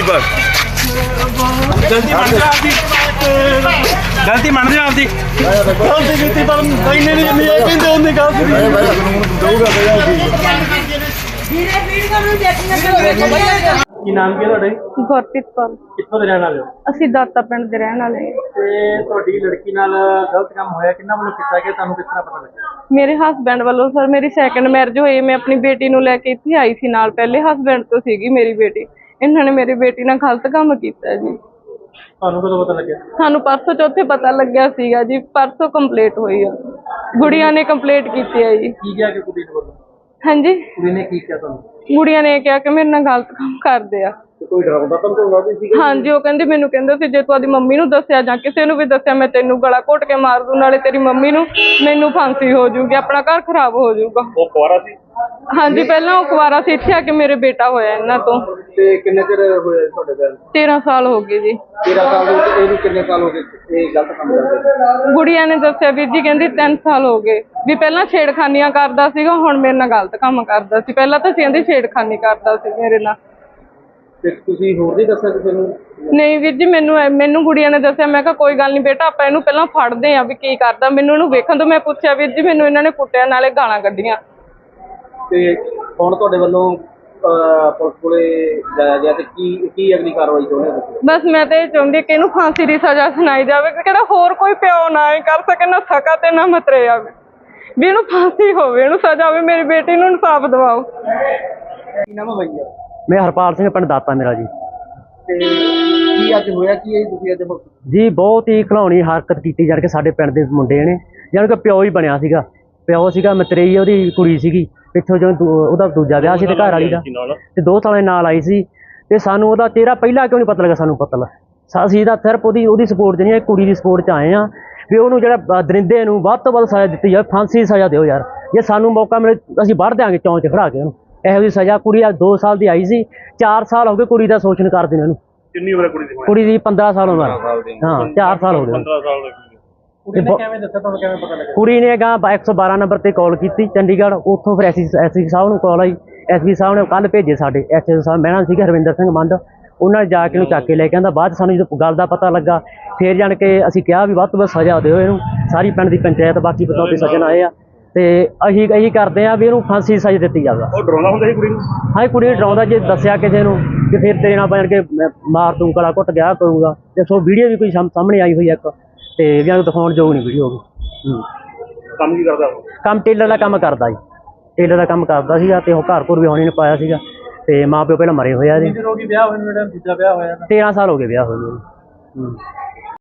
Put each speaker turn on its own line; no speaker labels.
बस
गलती मान जा आपकी गलती मान जा आपकी गलती ਕੀਤੀ ਪਰ ਇੰਨੇ ਨਹੀਂ ਇਹ ਕਹਿੰਦੇ ਉਹਨੇ ਗਲਤੀ ਦਊਗਾ
ਵੀਰੇ ਵੀਡੀਓ ਨੂੰ ਦੇਖਣਾ
ਕੀ ਨਾਮ ਕੀ ਤੁਹਾਡੇ
ਗੁਰਪ੍ਰੀਤ ਕੌਰ।
ਕਿੱਥੋਂ ਦੇ ਰਹਿਣ ਵਾਲੇ ਹੋ
ਅਸੀਂ ਦਾਤਾ ਪਿੰਡ ਦੇ ਰਹਿਣ ਵਾਲੇ ਹਾਂ।
ਤੇ ਤੁਹਾਡੀ ਲੜਕੀ ਨਾਲ ਗਲਤ ਕੰਮ ਹੋਇਆ ਕਿੰਨਾ ਵੱਲੋਂ ਕੀਤਾ ਗਿਆ ਤੁਹਾਨੂੰ ਕਿਸ ਤਰ੍ਹਾਂ ਪਤਾ ਲੱਗਿਆ?
ਮੇਰੇ ਹਸਬੈਂਡ ਵੱਲੋਂ ਸਰ ਮੇਰੀ ਸੈਕੰਡ ਮੈਰਿਜ ਹੋਈ। ਮੈਂ ਆਪਣੀ ਬੇਟੀ ਨੂੰ ਲੈ ਕੇ ਇੱਥੇ ਆਈ ਸੀ ਨਾਲ। ਪਹਿਲੇ ਹਸਬੈਂਡ ਤੋਂ ਸੀਗੀ ਮੇਰੀ ਬੇਟੀ। ਇਹਨਾਂ ਨੇ ਮੇਰੀ ਬੇਟੀ ਨਾਲ ਗਲਤ ਕੰਮ ਕੀਤਾ ਜੀ।
ਤੁਹਾਨੂੰ ਕਦੋਂ ਪਤਾ ਲੱਗਿਆ?
ਸਾਨੂੰ ਪਰਸੋਂ ਚੌਥੇ ਪਤਾ ਲੱਗਿਆ ਸੀਗਾ ਜੀ। ਪਰਸੋਂ ਕੰਪਲੀਟ ਹੋਈ ਆ। ਗੁੜੀਆਂ ਨੇ ਕੰਪਲੀਟ ਕੀਤੀ ਹੈ ਜੀ।
ਕੀ ਕਿਹਾ ਕਿ ਕੁੜੀ ਨੂੰ ਬੋਲੋ?
ਹਾਂਜੀ,
ਕੁੜੀ ਨੇ ਕੀ ਕਿਹਾ ਤੁਹਾਨੂੰ?
ਗੁੜੀਆਂ ਨੇ ਕਿਹਾ ਕਿ ਮੇਰੇ ਨਾਲ ਗਲਤ ਕੰਮ ਕਰਦੇ ਆ।
ਕੋਈ ਡਰਾਉਂਦਾ ਤਾਂ ਕੋਈ ਵਾਦੀ ਸੀ?
ਹਾਂਜੀ, ਉਹ ਕਹਿੰਦੀ ਮੈਨੂੰ ਕਹਿੰਦਾ ਸੀ ਜੇ ਤੂੰ ਆਪਣੀ ਮੰਮੀ ਨੂੰ ਦੱਸਿਆ ਜਾਂ ਕਿਸੇ ਨੂੰ ਵੀ ਦੱਸਿਆ ਮੈਂ ਤੈਨੂੰ ਗਲਾ ਘੋਟ ਕੇ ਮਾਰ ਦੂੰ, ਨਾਲੇ ਤੇਰੀ ਮੰਮੀ ਨੂੰ ਮੈਨੂੰ ਫਾਂਸੀ ਹੋ ਜਾਊਗੀ, ਆਪਣਾ ਘਰ ਖਰਾਬ ਹੋ ਜਾਊਗਾ।
ਉਹ ਕੁਆਰਾ ਸੀ?
ਹਾਂਜੀ, ਪਹਿਲਾਂ ਉਹ ਕੁਆਰਾ ਸੀ। ਇੱਥੇ ਆ ਕੇ ਮੇਰੇ ਬੇਟਾ ਹੋਇਆ ਇਹਨਾਂ ਤੋਂ।
ਤੇ ਕਿੰਨੇ ਚਿਰ ਹੋਇਆ ਤੁਹਾਡੇ ਦਾ?
13 ਸਾਲ ਹੋ ਗਏ ਜੀ।
13 ਸਾਲ ਦੇ ਵਿੱਚ ਇਹਨੂੰ ਕਿੰਨੇ ਸਾਲ ਹੋ ਗਏ ਇਹ ਗਲਤ ਕੰਮ ਕਰਦੇ?
ਗੁੜੀਆ ਨੇ ਦੱਸਿਆ ਵੀਰ ਜੀ, ਕਹਿੰਦੀ 3 ਸਾਲ ਹੋ ਗਏ ਵੀ ਪਹਿਲਾਂ ਛੇੜਖਾਨੀਆਂ ਕਰਦਾ ਸੀਗਾ, ਹੁਣ ਮੇਰੇ ਨਾਲ ਗਲਤ ਕੰਮ ਕਰਦਾ ਸੀ। ਪਹਿਲਾਂ ਤਾਂ ਕਹਿੰਦੀ ਛੇੜਖਾਨੀ ਕਰਦਾ ਸੀ ਮੇਰੇ ਨਾਲ।
ਤੇ ਤੁਸੀਂ ਹੋਰ ਨਹੀਂ ਦੱਸਿਆ ਕਿਸੇ ਨੂੰ?
ਨਹੀਂ ਵੀਰ ਜੀ, ਮੈਨੂੰ ਗੁੜੀਆ ਨੇ ਦੱਸਿਆ। ਮੈਂ ਕਿਹਾ ਕੋਈ ਗੱਲ ਨਹੀਂ ਬੇਟਾ, ਆਪਾਂ ਇਹਨੂੰ ਪਹਿਲਾਂ ਫੜਦੇ ਆ ਵੀ ਕੀ ਕਰਦਾ। ਮੈਨੂੰ ਇਹਨੂੰ ਵੇਖਣ ਤੋਂ ਮੈਂ ਪੁੱਛਿਆ ਵੀਰ ਜੀ, ਮੈਨੂੰ ਇਹਨਾਂ ਨੇ ਕੁੱਟਿਆ ਨਾਲੇ ਗਾਲਾਂ ਕੱਢੀਆਂ।
ਤੇ ਹੁਣ ਤੁਹਾਡੇ ਵੱਲੋਂ ਪੁਲਿਸ ਕੋਲੇ ਜਾਇਆ ਗਿਆ ਤੇ ਕੀ ਅਗਲੀ ਕਾਰਵਾਈ ਚਾਹੁੰਦੇ ਹੋ?
ਬਸ ਮੈਂ ਤਾਂ ਇਹ ਚਾਹੁੰਦੀ ਕਿ ਇਹਨੂੰ ਫਾਂਸੀ ਦੀ ਸਜ਼ਾ ਸੁਣਾਈ ਜਾਵੇ। ਕਿਹੜਾ ਹੋਰ ਕੋਈ ਪਿਓ ਨਾ ਇਹ ਕਰ ਸਕੇ, ਨਾ ਸਕਾ ਤੇ ਨਾ ਮਤਰੇ ਆਵੇ, ਵੀ ਇਹਨੂੰ ਫਾਂਸੀ ਹੋਵੇ, ਇਹਨੂੰ ਸਜ਼ਾ ਹੋਵੇ। ਮੇਰੀ ਬੇਟੀ ਨੂੰ ਇਨਸਾਫ ਦਿਵਾਓ।
ਕੀ ਨਾਮ ਹੈ ਭਈਆ?
ਮੈਂ ਹਰਪਾਲ ਸਿੰਘ, ਪਿੰਡ ਦਾਤਾ ਮੇਰਾ ਜੀ।
ਤੇ ਕੀ ਅੱਜ ਹੋਇਆ ਕੀ ਹੈ ਤੁਸੀਂ ਅੱਜ?
ਜੀ ਬਹੁਤ ਹੀ ਖਿਲਾਉਣੀ ਹਰਕਤ ਕੀਤੀ ਜਾਣ ਕੇ ਸਾਡੇ ਪਿੰਡ ਦੇ ਮੁੰਡੇ ਨੇ, ਜਾਣੀ ਕਿ ਪਿਓ ਹੀ ਬਣਿਆ ਸੀਗਾ। ਪਿਓ ਸੀਗਾ ਮਤਰੇਈ, ਉਹਦੀ ਕੁੜੀ ਸੀਗੀ ਪਿੱਛੋਂ ਜਦੋਂ ਉਹਦਾ ਦੂਜਾ ਵਿਆਹ ਸੀ ਤੇ ਘਰ ਵਾਲੀ ਦਾ, ਤੇ 2 ਸਾਲਾਂ ਦੇ ਨਾਲ ਆਈ ਸੀ। ਤੇ ਸਾਨੂੰ ਉਹਦਾ ਚਿਹਰਾ ਪਹਿਲਾਂ ਕਿਉਂ ਨਹੀਂ ਪਤਾ ਲੱਗਾ? ਸਾਨੂੰ ਪਤਾ ਲੱਗਾ ਅਸੀਂ ਤਾਂ ਸਿਰਫ ਉਹਦੀ ਸਪੋਰਟ 'ਚ ਨਹੀਂ, ਕੁੜੀ ਦੀ ਸਪੋਰਟ 'ਚ ਆਏ ਹਾਂ ਵੀ ਉਹਨੂੰ ਜਿਹੜਾ ਦਰਿੰਦੇ ਨੂੰ ਵੱਧ ਤੋਂ ਵੱਧ ਸਜ਼ਾ ਦਿੱਤੀ ਜਾਵੇ, ਫਾਂਸੀ ਦੀ ਸਜ਼ਾ ਦਿਓ ਯਾਰ। ਜੇ ਸਾਨੂੰ ਮੌਕਾ ਮਿਲੇ ਅਸੀਂ ਵੱਢ ਦਿਆਂਗੇ ਚੌਂਕ 'ਚ ਖੜਾ ਕੇ ਉਹਨੂੰ। ਇਹੋ ਜਿਹੀ ਸਜ਼ਾ। ਕੁੜੀ ਆ 2 ਸਾਲ ਦੀ ਆਈ ਸੀ, 4 ਸਾਲ ਹੋ ਗਏ ਕੁੜੀ ਦਾ ਸ਼ੋਸ਼ਣ ਕਰਦੇ ਨੇ ਉਹਨੂੰ।
ਕਿੰਨੀ ਉਮਰ ਹੈ ਕੁੜੀ ਦੀ?
ਕੁੜੀ ਦੀ 15 ਸਾਲ ਉਮਰ। ਹਾਂ, 4 ਸਾਲ ਹੋ ਗਏ।
15 ਸਾਲ ਦੀ। ਕੁੜੀ ਨੇ ਕਿਵੇਂ ਦੱਸਿਆ ਤੁਹਾਨੂੰ? ਕਿਵੇਂ ਪਤਾ ਲੱਗਿਆ?
ਕੁੜੀ ਨੇ 112 ਨੰਬਰ ਤੇ ਕਾਲ ਕੀਤੀ ਚੰਡੀਗੜ੍ਹ। ਉੱਥੋਂ ਫਿਰ ਐਸਪੀ ਸਾਹਿਬ ਨੂੰ ਕਾਲ ਆਈ। ਐਸਪੀ ਸਾਹਿਬ ਨੇ ਕੱਲ੍ਹ ਭੇਜੇ ਸਾਡੇ ਐਸਐਸਓ ਸਾਹਿਬ। ਮੈਂ ਸੀ ਹਰਵਿੰਦਰ ਸਿੰਘ ਮੰਡ, ਉਹਨਾਂ ਨੇ ਜਾ ਕੇ ਇਹਨੂੰ ਚੱਕ ਕੇ ਲੈ ਕੇ ਆਂਦਾ। ਬਾਅਦ 'ਚ ਸਾਨੂੰ ਜਦੋਂ ਗੱਲ ਦਾ ਪਤਾ ਲੱਗਾ ਫਿਰ ਜਾਣ ਕੇ ਅਸੀਂ ਕਿਹਾ ਵੀ ਵੱਧ ਤੋਂ ਵੱਧ ਸਜ਼ਾ ਦਿਓ ਇਹਨੂੰ। ਸਾਰੀ ਪਿੰਡ ਦੀ ਪੰਚਾਇਤ ਬਾਕੀ ਪਤਾ ਤੇ ਸੱਜਣ ਆਏ ਆ ਤੇ ਅਸੀਂ ਇਹੀ ਕਰਦੇ ਆ ਵੀ ਇਹਨੂੰ ਫਾਂਸੀ ਦੀ ਸਜ਼ਾ ਦਿੱਤੀ ਜਾਵੇ।
ਉਹ ਡਰਾਉਂਦਾ ਹੁੰਦਾ ਸੀ ਕੁੜੀ ਨੂੰ?
ਹਾਂ, ਕੁੜੀ ਨੂੰ ਡਰਾਉਂਦਾ। ਜੇ ਦੱਸਿਆ ਕਿਸੇ ਨੂੰ ਕਿ ਫਿਰ ਤੇਰੇ ਨਾਲ ਬਣ ਕੇ ਮਾਰ ਦੂੰ, ਗਲਾ ਘੁੱਟ ਗਿਆ ਕਰੂੰਗਾ। ਤੇ ਸੋ ਵੀਡੀਓ ਵੀ ਕੋਈ ਸਾਹਮਣੇ ਆਈ ਹੋਈ ਇੱਕ, ਤੇ ਵੀ ਉਹਨੂੰ ਦਿਖਾਉਣ ਯੋਗ ਨਹੀਂ ਵੀਡੀਓ ਵੀ।
ਕੰਮ ਕੀ ਕਰਦਾ?
ਕੰਮ ਟੇਲਰ ਦਾ ਕੰਮ ਕਰਦਾ ਜੀ। ਟੇਲਰ ਦਾ ਕੰਮ ਕਰਦਾ ਸੀਗਾ ਤੇ ਉਹ ਘਰ ਘਰ ਵੀ ਆਉਣੀ ਨੇ ਪਾਇਆ ਸੀਗਾ। ਤੇ ਮਾਂ ਪਿਓ ਪਹਿਲਾਂ ਮਰੇ ਹੋਇਆ ਜੀ।
ਵਿਆਹ ਹੋਇਆ ਨੂੰ? ਜਿਹੜਾ ਦੂਜਾ ਵਿਆਹ ਹੋਇਆ
13 ਸਾਲ ਹੋ ਗਏ ਵਿਆਹ ਹੋਏ ਨੂੰ।